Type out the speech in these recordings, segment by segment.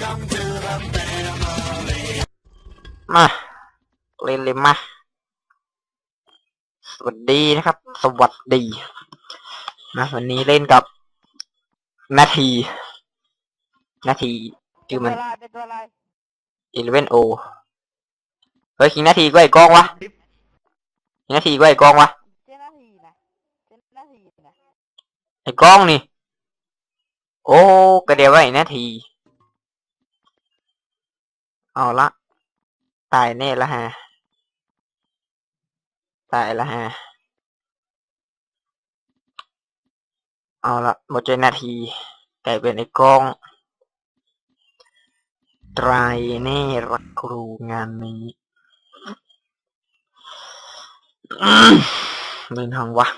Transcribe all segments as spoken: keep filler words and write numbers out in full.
มาเล่นเลยมาสวัสดีนะครับสวัสดีนะวันนี้เล่นกับนาทีนาทีชื่อมันอีเลเวนโอเฮ้ยคิงนาทีก็ไอ้กองวะคิงนาทีก็ไอ้กองวะไอ้กองนี่โอ้ก็เดี๋ยวไว้นาทีเอาละตายแน่ละฮะตายละฮะเอาละหมดใจนาทีกลายเป็นไอ้กองตรายแน่รักครูงานนี้เล่นห้องวะ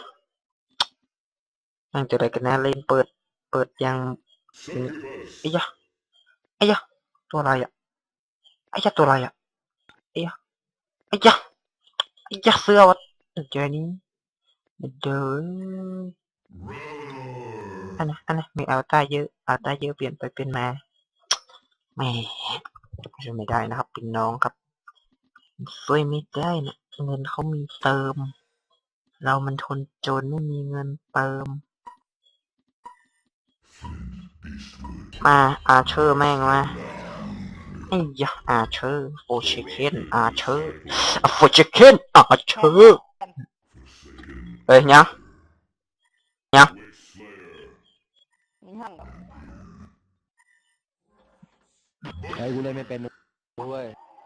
นั่งจะอะไรกันนะเล่นเปิดเปิดยังไอ้ยะไอ้ยะตัวอะไรอ่ะไอ้ยะตัวอะไรอ่ะไอ้ยะไอ้ยะไอ้ยะเสื้อวะเจอนี้เดินอันนั้นอันนั้นมีเอาตาเยอะเอาตาเยอะเปลี่ยนไปเป็นมาแหมไม่ได้นะครับเป็นน้องครับช่วยไม่ได้นะเงินเขามีเติมเรามันทนจนไม่มีเงินเติมมาอาเชอร์แม่งมาไอ้ยะอาเชอร์โฟชิเคนอาเชอร์โฟชิเคนอาเชอร์เฮ้ยยังยังไอ้กูเล่นไม่เป็นด้วย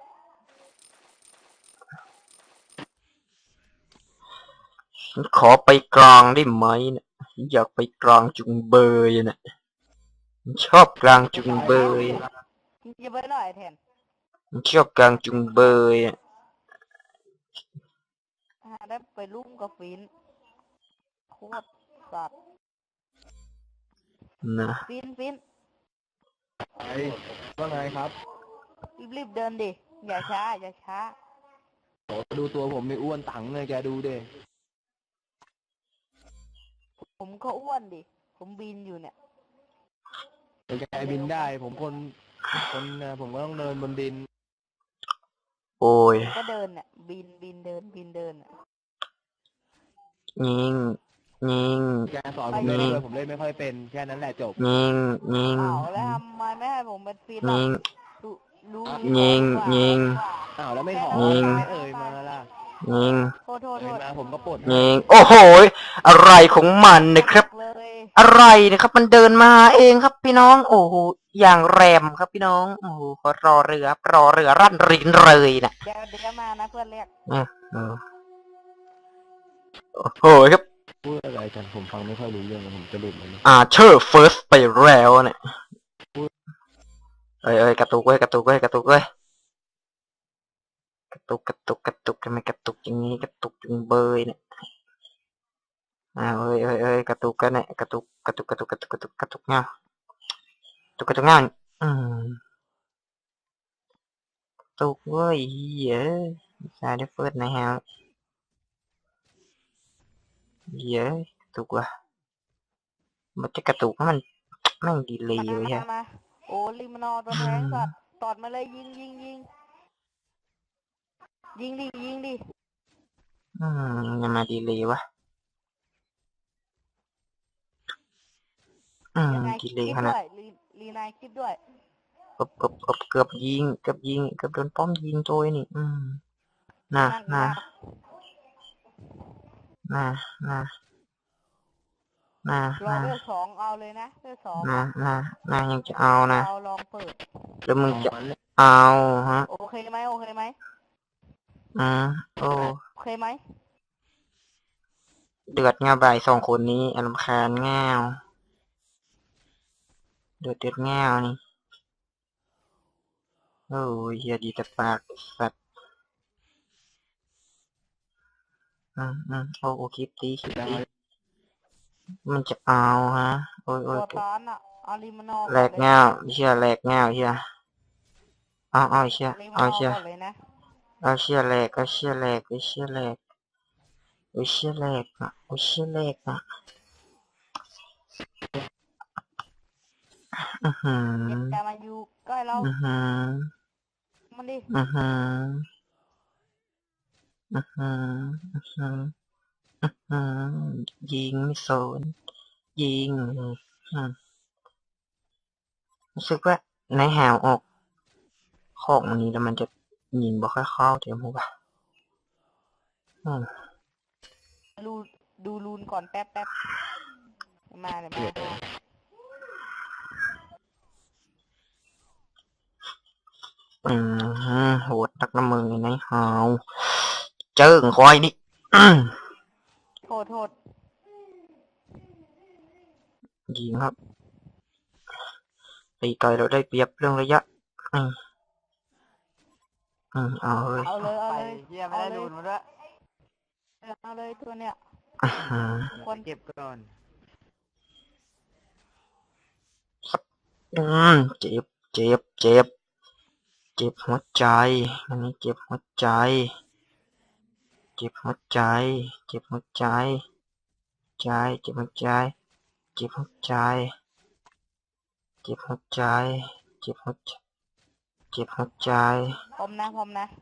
ขอไปกลางได้ไหมเนี่ยอยากไปกลางจุงเบยเนี่ยชอบกลางจุงเบยจะไปหน่อยแทนชอบกลางจุงเบยได้ไปลุ่มกับฟินโคตรสัตว์นะฟินฟินไอ้ว่าไงครับรีบๆเดินดิอย่าช้าอย่าช้าโอ้ดูตัวผมไม่อ้วนตังเลยแกดูดิผมก็อ้วนดิผมบินอยู่เนี่ยแกบินได้ผมคนคนผมก็ต้องเดินบนดินโอ้ยก็เดินเนี่ยบินบินเดินบินเดินยิงยิงแกสอนผมเล่นด้วยผมเล่นไม่ค่อยเป็นแค่นั้นแหละจบยิงยิงอ้าวแล้วทำไมไม่ให้ผมเป็นฟินล่ะรู้ยิงยิงอ้าวแล้วไม่ขอไม่เอ่ยมาล่ะยิงโทษโทษโทษมาผมก็ปลดยิงโอ้โหอะไรของมันนะครับอะไรนะครับมันเดินมาเองครับพี่น้องโอ้โหอย่างแรมครับพี่น้องโอ้โหรอเรือรอเรือรั่นรินเลยนะเดี๋ยวเดี๋ยวมานะเพื่อนเรียกโอ้โหครับพูดอะไรกันผมฟังไม่ค่อยรู้เรื่องผมจะหลุดเลยอ่าเชอร์เฟิร์สไปแล้วเนี่ยเอ้ยเอ้ยกระตุกเว้ยกระตุกเว้ยกระตุกเว้ยกระตุกกระตุกกระตุกทำไมกระตุกอย่างนี้กระตุกจุงเบยเนี่ยอ่าเอ้ยเอ้ยเอ้ยกระตุกกันเนี่ยกระตุกกระตุกกระตุกกระตุกกระตุกกระตุกเงากระตุกกระตุกเงาอืมกระตุกเว้ยเฮ้ยใช่ได้เฟิร์สนะฮะเย้กระตุกว่ะมันจะกระตุกมันแม่งดีเลยเว้ยฮะโอ้ลิมนอตัวแทงสัตว์ตอดมาเลยยิงยิงยิงยิงดิยิงดิอืมยังมาดีเลยวะอืมดีเลยขนาดรีนายคลิปด้วยเกือบเกือบเกือบเกือบยิงเกือบยิงเกือบโดนป้อมยิงโจยนี่อืมน่ะน่ะน่ะน่ะน่ะรอเลือกสองเอาเลยนะเลือกสองน่ะน่ะน่ะยังจะเอานะเอาลองเปิดแล้วมึงจะเอาฮะโอเคไหมโอเคไหมอืมโอ้โอเคไหมเดือดง่าบ่ายสองคนนี้อารมณ์คานง่าวเดือดเดือดง่าวนี่โอ้ยเฮียดีแต่ปากสัตว์อืมอืมโอ้โอคลิปตีคลิปตีมันจะเอาฮะโอ้ยโอ้ยแหลกง่าวเชี่ยแหลกง่าวเชี่ยเอาเอาเชี่ยเอาเชี่ยเอาเชี่ยแหลกเอาเชี่ยแหลกเอาเชี่ยแหลกเอาเชี่ยแหลกอ่ะเอาเชี่ยแหลกอ่ะอือหืออย่ามาอยู่ใกล้เราอือหือมันดิอือหืออือหืออือหืออือหือยิงไม่สนยิงอืมรู้สึกว่าในหาวออกของอันนี้แล้วมันจะยิงบ่ค่อยเข้าเดี๋ยวมูบ่ะอืมดูดูรูนก่อนแป๊บแป๊บมาเลยมามาอืมโหดตักน้ำมือในหาวเจิ้งคอยนี่โทษโทษยิงครับตีไกลเราได้เปรียบเรื่องระยะอืมอืมเอาเลยเอาเลยเอาเลยเฮียไม่ได้รูนมาด้วยเอาเลยตัวเนี้ยอื้อหือคนเก็บก่อนอืมเจ็บเจ็บเจ็บเจ็บหัวใจอันนี้เจ็บหัวใจเจ็บหัวใจเจ็บหัวใจใจเจ็บหัวใจเจ็บหัวใจเจ็บหัวใจเจ็บหัวใจเจ็บหัวใจพร้อมนะพร้อมนะ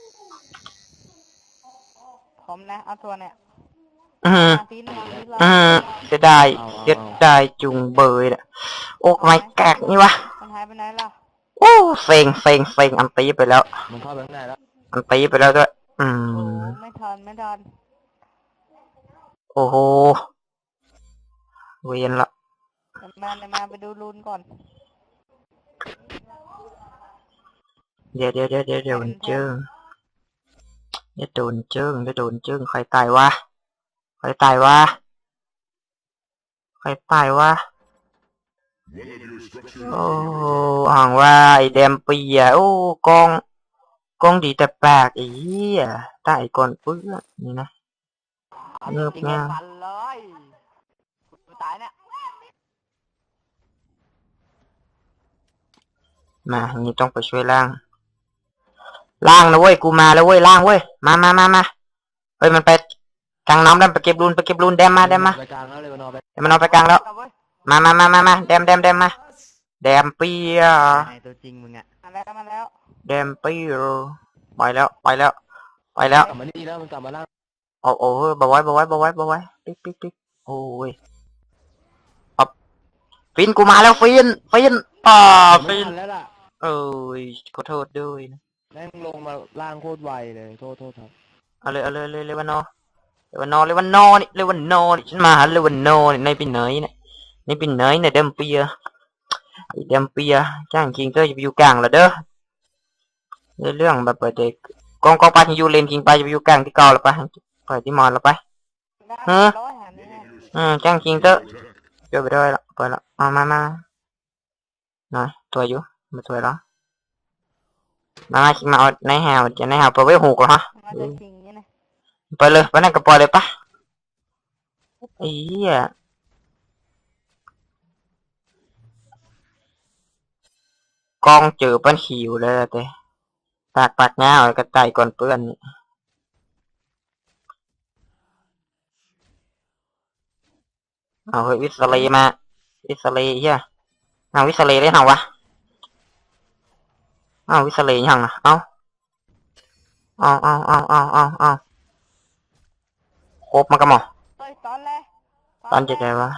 พร้อมนะเอาตัวเนี้ยอืมมาฟินมาฟินเราอืมเสียดายเสียดายจุงเบยน่ะโอ้ไม่แกกนี่วะมันหายไปไหนล่ะโอ้เซ็งเซ็งเซ็งอันตีไปแล้วมันเข้าไปข้างในแล้วอันตีไปแล้วด้วย อืโอ้มไม่ทันไม่ทันโอ้โหเวียนละเดี๋ยวมาเดี๋ยวมาไปดูรูนก่อนเดี๋ยวเดี๋ยวเดี๋ยวเดี๋ยวเดี๋ยวมันเจิ้งเดี๋ยวโดนเจิ้งเดี๋ยวโดนเจิ้งใครตายวะใครตายวะใครตายวะโอ้ห่างว่าไอเดมปีอ่ะโอ้กองกองดีแต่ปากไอ้เหี้ยตายก่อนเพื่อนนี่นะ เงือบจริงงาฟันเลยกูตายเนี่ยมานี่ต้องไปช่วยล่างล่างนะเว้ยกูมาแล้วเว้ยล่างเว้ยมามามามาเฮ้ยมันไปกลางน้ำแล้วไปเก็บรูนไปเก็บรูนแดมมาแดมมาไปกลางแล้วเลยมันเอาไปเดี๋ยวมันเอาไปกลางแล้วมามามามามาแดมแดมแดมมาแดมเปียไอตัวจริงมึงอ่ะมาแล้วมาแล้วแดมเปียไปแล้วไปแล้วไปแล้วกลับมานี่แล้วมันกลับมาล่างโอ้โอ้บาไว้บาไว้บาไว้บาไว้ปิ๊กปิ๊กปิ๊กโอ้ยเอาฟินกูมาแล้วฟินฟินอ่าไม่ฟินทันแล้วล่ะเอ้ยขอโทษด้วยนะแม่งลงมาล่างโคตรไวเลยโทษโทษครับเอาเลยเอาเลยเลยเลวันนอเลวันนอเลวันนอนี่เลวันนอนี่ฉันมาหาเลวันนอนี่ในปีไหนเนี่ยในปีไหนเนี่ยเดมเปียไอเดมเปียจ้างคิงเตอร์จะไปอยู่กลางแล้วเด้อเรื่องแบบเด็กกองกองไปที่อยู่เลนคิงไปจะไปอยู่กลางที่เก่าแล้วไปไปที่มอนแล้วไป ฮะร้อยหานี่อืมจ้างคิงเตอร์เดี๋ยวไปด้วยละไปละมามามาหน่อยตัวอยู่มาตัวแล้วมาคิงมาเอาในแฮวจะในแฮวไปไว้หกแล้วฮะมาจะจริงนี่นะไปเลยไปนั่นก็ปล่อยเลยปะไอ้เหี้ยกองเจอปันหิวเลยแต่ปากปากง่าวกระต่ายก่อนเปื้อนนี่เอาเฮ้ยวิสเลมาวิสเลเฮียเอาวิสเลได้เหรอวะเอาวิสเลยังอ่ะเอาเอาเอาเอาเอาเอาเอาครบมันก็หมอเฮ้ยตอนแรกตอนจะไงวะ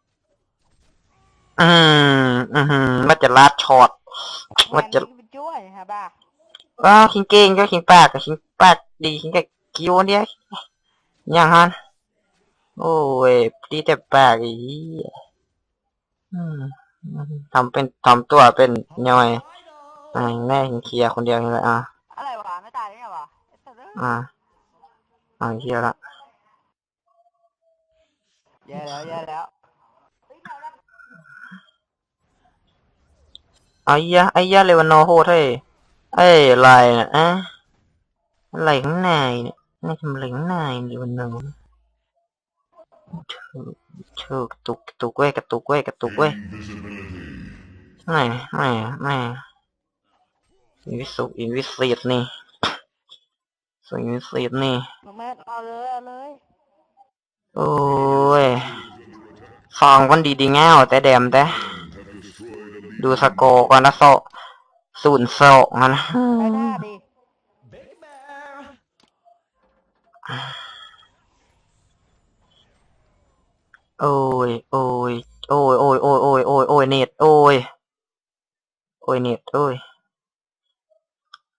อืมอืมมันจะลาดช็อตมันจะไปช่วยฮะบ้าอ้าวคิงเก่งก็คิงปากกับคิงปากดีคิงกับคิวเนี่ยยังฮันโอ้ยดีแต่ปากอีอืมทำเป็นทำตัวเป็นย่อยอ่าแน่คิงเคลียร์คนเดียวนี่แหละอ่ะอะไรวะไม่ตายได้ไงวะอ่าอ่าเคลียร์ละแย่แล้วแย่แล้วไอ้ยะไอ้ยะเลวานโนโหดเฮ้ยเอ้ยอะไรเนี่ยอะอะไรข้างในเนี่ยนี่ทำอะไรข้างในเลวานโนเธอเธอกระตุกกระตุกเว้ยกระตุกเว้ยกระตุกเว้ยไม่ไม่ไม่อินวิสุอินวิสิตนี่ส่วนอินวิสิตนี่น้องแม่เอาเลยเอาเลยโอ้ยฟองคนดีดีเงาแต่แดมแต่ดูสกอร์ก่อนนะโซศูนย์สองนะได้หน้าดิโอ้ยโอ้ยโอ้ยโอ้ยโอ้ยโอ้ยโอ้ยโอ้ยเน็ตโอ้ยโอ้ยเน็ตโอ้ย